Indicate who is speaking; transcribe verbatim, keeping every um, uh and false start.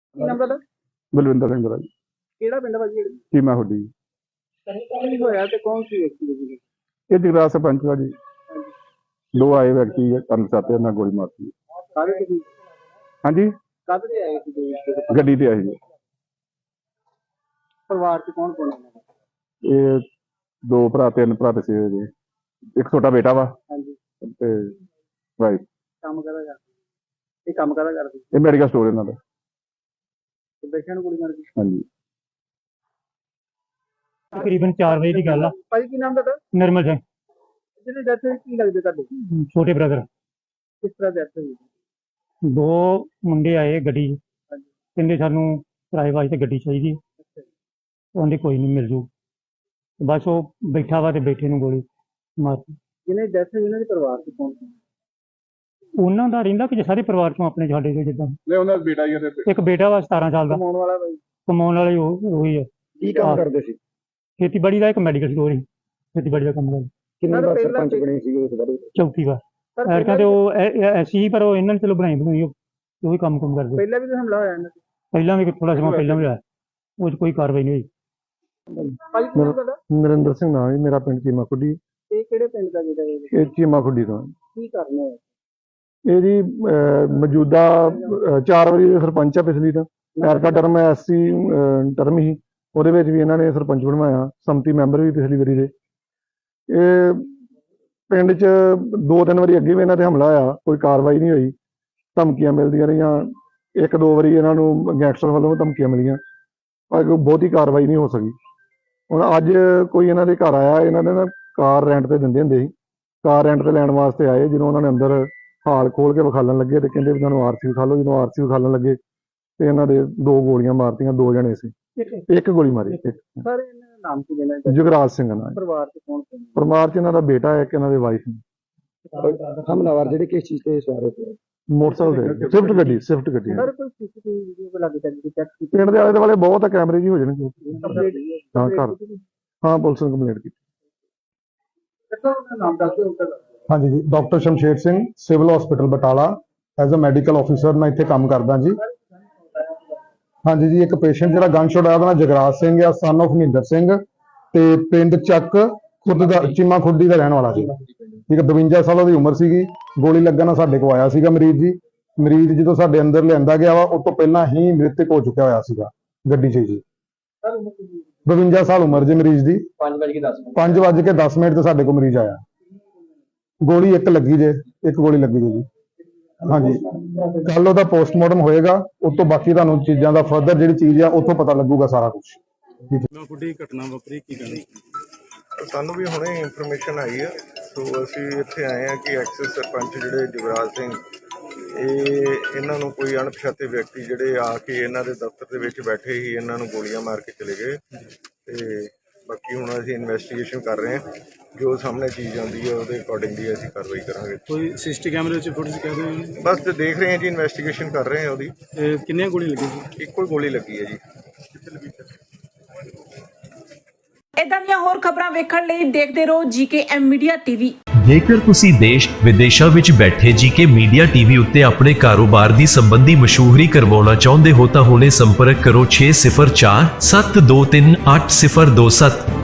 Speaker 1: ਕੀ ਨਾਮ ਤੁਹਾਡਾ?
Speaker 2: ਬਲਵਿੰਦਰ ਸਿੰਘ ਰਾਜ
Speaker 1: ਕਿਹੜਾ ਪਿੰਡ ਭਾਜੀ?
Speaker 2: ਚੀਮਾ ਹੁੱਡੀ।
Speaker 1: ਕੀ ਹੋਇਆ ਤੇ ਕੌਣ ਸੀ ਵਿਅਕਤੀ ਜੀ?
Speaker 2: ਇਹ ਜਗਰਾਜ ਸਰਪੰਚ ਦਾ ਜੀ। ਦੋ ਆਏ ਵਿਅਕਤੀ ਅਣਪਛਾਤੇ ਨਾਲ ਗੋਲੀ ਮਾਰਤੀ।
Speaker 1: ਸਾਰੇ ਤੁਸੀਂ
Speaker 2: ਹਾਂਜੀ,
Speaker 1: ਕਦ ਤੇ ਆਏ ਸੀ ਜੀ?
Speaker 2: ਗੱਡੀ ਤੇ ਆਏ ਜੀ।
Speaker 1: ਪਰਿਵਾਰ ਚ ਕੌਣ ਕੌਣ ਹੈ?
Speaker 2: ਇਹ ਦੋ ਭਰਾ ਤਿੰਨ ਭਰਾ ਤੇ ਸੀ ਜੀ। ਇੱਕ ਛੋਟਾ ਬੇਟਾ ਵਾ
Speaker 1: ਹਾਂਜੀ।
Speaker 2: ਤੇ ਵਾਈਫ।
Speaker 1: ਕੰਮ ਕਰਦਾ ਕਰਦੇ? ਇਹ ਕੰਮ ਕਰਦਾ ਕਰਦੇ?
Speaker 2: ਇਹ ਮੈਡੀਕਲ ਸਟੋਰ ਇਹਨਾਂ ਦਾ।
Speaker 1: ਤੇ ਬੈਠਿਆਂ ਨੂੰ ਗੋਲੀ ਮਾਰ ਗਈ?
Speaker 2: ਹਾਂਜੀ।
Speaker 3: ਤਕਰੀਬਨ ਚਾਰ ਵਜੇ ਦੀ ਗੱਲ ਆ।
Speaker 1: ਭਾਈ ਕੀ ਨਾਮ ਤੁਹਾਡਾ?
Speaker 3: ਨਿਰਮਲ ਸਿੰਘ,
Speaker 1: ਜਿਹਨੇ ਡੈਥ ਹੋਈ ਕੀ ਲੱਗਦੇ ਤੁਹਾਡੇ?
Speaker 3: ਛੋਟੇ ਬ੍ਰਦਰ।
Speaker 1: ਕਿਸ ਤਰ੍ਹਾਂ ਡੈਥ ਹੋਈ?
Speaker 3: ਦੋ ਮੁੰਡੇ ਆਏ ਗੱਡੀ 'ਚ,
Speaker 1: ਹਾਂਜੀ।
Speaker 3: ਕਹਿੰਦੇ ਸਾਨੂੰ ਕਿਰਾਏ ਵਾਸਤੇ ਗੱਡੀ ਚਾਹੀਦੀ ਹੈ। ਉਹਦੇ ਕੋਈ ਨਹੀਂ ਮਿਲ ਜੂ। ਬਸ ਉਹ ਬੈਠਾ ਵਾ ਤੇ ਬੈਠੇ ਨੂੰ ਗੋਲੀ ਮਾਰਤੀ।
Speaker 1: ਜਿਹਨੇ ਡੈਥ ਹੋਈ ਉਹਨਾਂ ਦੇ ਪਰਿਵਾਰ ਚ ਕੌਣ ਸੀ?
Speaker 3: ਉਹਨਾਂ ਦਾ ਰਹਿੰਦਾ ਕਿ ਸਾਰੇ ਪਰਿਵਾਰ ਚੋਂ ਆਪਣੇ ਸਾਡੇ ਤੋਂ ਜਿੱਦਾਂ
Speaker 2: ਨਹੀਂ, ਉਹਨਾਂ ਦਾ ਬੇਟਾ ਹੀ ਹੈ ਤੇ
Speaker 3: ਇੱਕ ਬੇਟਾ ਵਾ ਸਤਾਰਾਂ ਸਾਲ ਦਾ।
Speaker 1: ਕਮਾਉਣ ਵਾਲਾ ਭਾਈ?
Speaker 3: ਕਮਾਉਣ ਵਾਲੇ ਉਹ ਉਹੀ ਹੈ।
Speaker 1: ਕੀ ਕੰਮ ਕਰਦੇ ਸੀ?
Speaker 3: ਖੇਤੀਬਾੜੀ ਦਾ ਇੱਕ ਮੈਡੀਕਲ ਸਟੋਰ ਸੀ, ਖੇਤੀਬਾੜੀ ਦਾ ਕੰਮ ਕਰਦਾ।
Speaker 1: ਕਿੰਨੇ ਵਾਰ ਸਰਪੰਚ ਬਣੇ ਸੀਗੇ ਉਸ ਬਾਰੇ?
Speaker 3: ਚੌਥੀ ਵਾਰ। ਐਰਕਾਂ ਤੇ ਉਹ ਐਸੀ ਪਰ ਉਹ ਇਹਨਾਂ ਨੇ ਚਲੋ ਬਣਾਈ ਬਣਾਈ ਉਹੀ ਕੰਮ ਕੰਮ ਕਰਦੇ।
Speaker 1: ਪਹਿਲਾਂ ਵੀ ਤਾਂ ਹਮਲਾ ਹੋਇਆ ਇਹਨਾਂ ਤੇ?
Speaker 3: ਪਹਿਲਾਂ ਵੀ ਥੋੜਾ ਸਮਾਂ ਪਹਿਲਾਂ ਵੀ ਹੋਇਆ, ਉਹ 'ਚ ਕੋਈ ਕਾਰਵਾਈ ਨਹੀਂ ਹੋਈ।
Speaker 1: ਭਾਈ ਕੀ ਨਾਮ ਤੁਹਾਡਾ?
Speaker 2: ਨਰਿੰਦਰ ਸਿੰਘ ਨਾਮ ਜੀ। ਮੇਰਾ ਪਿੰਡ ਚੀਮਾ ਖੁੱਡੀ।
Speaker 1: ਇਹ ਕਿਹੜੇ ਪਿੰਡ ਦਾ ਜਿਹੜਾ ਇਹ?
Speaker 2: ਇਹ ਚੀਮਾ ਖੁੱਡੀ ਤੋਂ।
Speaker 1: ਕੀ ਕਰਨਾ ਹੈ?
Speaker 2: ਇਹ ਜੀ ਅਹ, ਮੌਜੂਦਾ ਅਹ, ਚਾਰ ਵਾਰੀ ਦੇ ਸਰਪੰਚ ਆ। ਪਿਛਲੀ ਤਾਂ ਐਰਕਾ ਟਰਮ ਐਸਸੀ ਟਰਮ ਹੀ, ਉਹਦੇ ਵਿੱਚ ਵੀ ਇਹਨਾਂ ਨੇ ਸਰਪੰਚ ਬਣਵਾਇਆ। ਸੰਮਤੀ ਮੈਂਬਰ ਵੀ ਪਿਛਲੀ ਵਾਰੀ ਦੇ। ਇਹ ਪਿੰਡ 'ਚ ਦੋ ਤਿੰਨ ਵਾਰੀ ਅੱਗੇ ਵੀ ਇਹਨਾਂ ਤੇ ਹਮਲਾ ਹੋਇਆ, ਕੋਈ ਕਾਰਵਾਈ ਨਹੀਂ ਹੋਈ। ਧਮਕੀਆਂ ਮਿਲਦੀਆਂ ਰਹੀਆਂ। ਇੱਕ ਦੋ ਵਾਰੀ ਇਹਨਾਂ ਨੂੰ ਗੈਂਗਸਟਰ ਵੱਲੋਂ ਧਮਕੀਆਂ ਮਿਲੀਆਂ, ਪਰ ਕੋਈ ਬਹੁਤੀ ਕਾਰਵਾਈ ਨਹੀਂ ਹੋ ਸਕੀ। ਹੁਣ ਅੱਜ ਕੋਈ ਇਹਨਾਂ ਦੇ ਘਰ ਆਇਆ। ਇਹਨਾਂ ਨੇ ਨਾ ਕਾਰ ਰੈਂਟ ਤੇ ਦਿੰਦੇ ਹੁੰਦੇ ਸੀ, ਕਾਰ ਰੈਂਟ ਤੇ ਲੈਣ ਵਾਸਤੇ ਆਏ। ਜਦੋਂ ਉਹਨਾਂ ਨੇ ਅੰਦਰ ਹਾਲ ਖੋਲ ਕੇ ਵਿਖਾਲਣ ਲੱਗੇ ਤੇ ਕਹਿੰਦੇ ਵੀ ਤੁਹਾਨੂੰ ਆਰਸੀ ਵਿਖਾ ਲਓ। ਜਦੋਂ ਆਰਸੀ ਵਿਖਾਲਣ ਲੱਗੇ ਤੇ ਇਹਨਾਂ ਦੇ ਦੋ ਗੋਲੀਆਂ ਮਾਰਤੀਆਂ। ਦੋ ਜਣੇ ਸੀ, ਇੱਕ ਗੋਲੀ ਮਾਰੀ।
Speaker 1: ਸਰ ਇਹਨਾਂ ਦਾ ਨਾਮ ਕੀ ਦੇਣਾ?
Speaker 2: ਜੁਗਰਾਜ ਸਿੰਘ ਨਾਲ।
Speaker 1: ਪਰਿਵਾਰ ਚ ਕੌਣ ਕੌਣ?
Speaker 2: ਪਰਿਵਾਰ 'ਚ ਇਹਨਾਂ ਦਾ ਬੇਟਾ ਹੈ, ਇੱਕ ਇਹਨਾਂ ਦੇ ਵਾਈਫ ਨੇ।
Speaker 1: ਹਮਲਾਵਰ ਜਿਹੜੇ ਕਿਸ ਚੀਜ਼ ਤੇ ਸਵਾਰ ਹੋਏ?
Speaker 2: ਮੋਟਰਸਾਈਕਲ ਤੇ ਸਵਿਫਟ ਗੱਡੀ ਸਵਿਫਟ ਗੱਡੀ
Speaker 1: ਸਰ ਕੋਈ ਸੀਸੀਟੀਵੀ ਵੀਡੀਓ ਕੋ ਲੱਗੇ ਚੱਲ ਚੈੱਕ ਕੀਤੀ?
Speaker 2: ਪਿੰਡ ਦੇ ਆਲੇ ਦੁਆਲੇ ਬਹੁਤ ਆ ਕੈਮਰੇ ਜੀ ਹੋ ਜਾਣਗੇ।
Speaker 1: ਕੰਪਲੀਟ
Speaker 2: ਹਾਂ ਘਰ ਹਾਂ ਪੁਲਿਸ ਨੂੰ ਕੰਪਲੇਂਟ ਕੀਤੀ।
Speaker 1: ਨਾਮ ਦੱਸ ਦਿਓ।
Speaker 4: ਹਾਂਜੀ ਜੀ, doctor Shamsher Singh, civil hospital Batala, as uh medical officer ਮੈਂ ਇੱਥੇ ਕੰਮ ਕਰਦਾ ਜੀ। ਹਾਂਜੀ ਜੀ, ਇੱਕ ਪੇਸ਼ੈਂਟ ਜਿਹੜਾ ਗਨ ਸ਼ਾਟ ਆਇਆ ਉਹਦਾ ਨਾਮ ਜਗਰਾਜ ਸਿੰਘ ਆ, ਸਨ ਆਫ ਮਹਿੰਦਰ ਸਿੰਘ, ਤੇ ਪਿੰਡ ਚੱਕ ਖੁਦ ਦਾ ਚੀਮਾ ਖੁੱਡੀ ਦਾ ਰਹਿਣ ਵਾਲਾ ਸੀ। ਠੀਕ ਹੈ, ਬਵੰਜਾ ਸਾਲ ਉਹਦੀ ਉਮਰ ਸੀਗੀ। ਗੋਲੀ ਲੱਗਣ ਨਾਲ ਸਾਡੇ ਕੋਲ ਆਇਆ ਸੀਗਾ ਮਰੀਜ਼ ਜੀ। ਮਰੀਜ਼ ਜਦੋਂ ਸਾਡੇ ਅੰਦਰ ਲਿਆਂਦਾ ਗਿਆ ਵਾ, ਉਸ ਤੋਂ ਪਹਿਲਾਂ ਹੀ ਮ੍ਰਿਤਕ ਹੋ ਚੁੱਕਿਆ ਹੋਇਆ ਸੀਗਾ ਗੱਡੀ 'ਚ ਜੀ। ਬਵੰਜਾ ਸਾਲ ਉਮਰ ਜੀ ਮਰੀਜ਼ ਦੀ। ਪੰਜ ਵੱਜ ਕੇ ਦਸ ਮਿੰਟ ਤੇ ਸਾਡੇ ਕੋਲ ਮਰੀਜ਼ ਆਇਆ। ਗੋਲੀ ਇੱਕ ਲੱਗੀ ਜੇ, ਇੱਕ ਗੋਲੀ ਲੱਗੀ ਜੇ ਜੀ। ਹਾਂਜੀ, ਕੱਲ ਉਹਦਾ ਪੋਸਟਮਾਰਟਮ ਹੋਏਗਾ। ਉਸ ਤੋਂ ਬਾਕੀ ਤੁਹਾਨੂੰ ਚੀਜ਼ਾਂ ਦਾ ਫਰਦਰ ਜਿਹੜੀ ਚੀਜ਼ ਆ ਉੱਥੋਂ ਪਤਾ ਲੱਗੂਗਾ ਸਾਰਾ ਕੁਝ।
Speaker 5: ਵੱਡੀ ਘਟਨਾ ਵਾਪਰੀ, ਕੀ ਕਹਿਣਾ?
Speaker 6: ਸਾਨੂੰ ਵੀ ਹੁਣੇ ਇਨਫੋਰਮੇਸ਼ਨ ਆਈ ਹੈ, ਸੋ ਅਸੀਂ ਇੱਥੇ ਆਏ ਹਾਂ ਕਿ ਐਕਸਿਸ ਸਰਪੰਚ ਜਿਹੜੇ ਜੁਗਰਾਜ ਸਿੰਘ, ਇਹ ਇਹਨਾਂ ਨੂੰ ਕੋਈ ਅਣਪਛਾਤੇ ਵਿਅਕਤੀ ਜਿਹੜੇ ਆ ਕੇ ਇਹਨਾਂ ਦੇ ਦਫ਼ਤਰ ਦੇ ਵਿੱਚ ਬੈਠੇ ਹੀ ਇਹਨਾਂ ਨੂੰ ਗੋਲੀਆਂ ਮਾਰ ਕੇ ਚਲੇ ਗਏ। ਤੇ ਬਾਕੀ ਹੁਣ ਅਸੀਂ ਇਨਵੈਸਟੀਗੇਸ਼ਨ ਕਰ ਰਹੇ ਹਾਂ। ਜੋ ਸਾਹਮਣੇ ਚੀਜ਼ ਆਉਂਦੀ ਹੈ ਉਹਦੇ ਅਕੋਰਡਿੰਗਲੀ ਅਸੀਂ ਕਾਰਵਾਈ ਕਰਾਂਗੇ।
Speaker 5: ਕੋਈ ਸਿਸਟੀ ਕੈਮਰੇ ਵਿੱਚ ਫੁਟੇਜ ਕਹਿ ਦਿਓ?
Speaker 6: ਬਸ ਤੇ ਦੇਖ ਰਹੇ ਹਾਂ ਜੀ, ਇਨਵੈਸਟੀਗੇਸ਼ਨ ਕਰ ਰਹੇ ਹਾਂ ਉਹਦੀ।
Speaker 5: ਤੇ ਕਿੰਨੀਆਂ ਗੋਲੀਆਂ ਲੱਗੀਆਂ ਸੀ?
Speaker 6: ਇੱਕੋ ਹੀ ਗੋਲੀ ਲੱਗੀ ਹੈ ਜੀ।
Speaker 7: ਇਦਾਂ ਦੀਆਂ ਹੋਰ ਖਬਰਾਂ ਵੇਖਣ ਲਈ ਦੇਖਦੇ ਰਹੋ ਜੀਕੇ ਐਮ ਮੀਡੀਆ ਟੀਵੀ।
Speaker 8: ਜੇਕਰ ਤੁਸੀਂ ਦੇਸ਼ ਵਿਦੇਸ਼ਾਂ ਵਿੱਚ ਬੈਠੇ ਜੀਕੇ ਮੀਡੀਆ ਟੀਵੀ ਉੱਤੇ ਆਪਣੇ ਕਾਰੋਬਾਰ ਦੀ ਸੰਬੰਧੀ ਮਸ਼ਹੂਰੀ ਕਰਵਾਉਣਾ ਚਾਹੁੰਦੇ ਹੋ ਤਾਂ ਹੁਣੇ ਸੰਪਰਕ ਕਰੋ ਛੇ ਸਿਫਰ ਚਾਰ ਸੱਤ ਦੋ ਤਿੰਨ ਅੱਠ ਸਿਫਰ ਦੋ ਸੱਤ।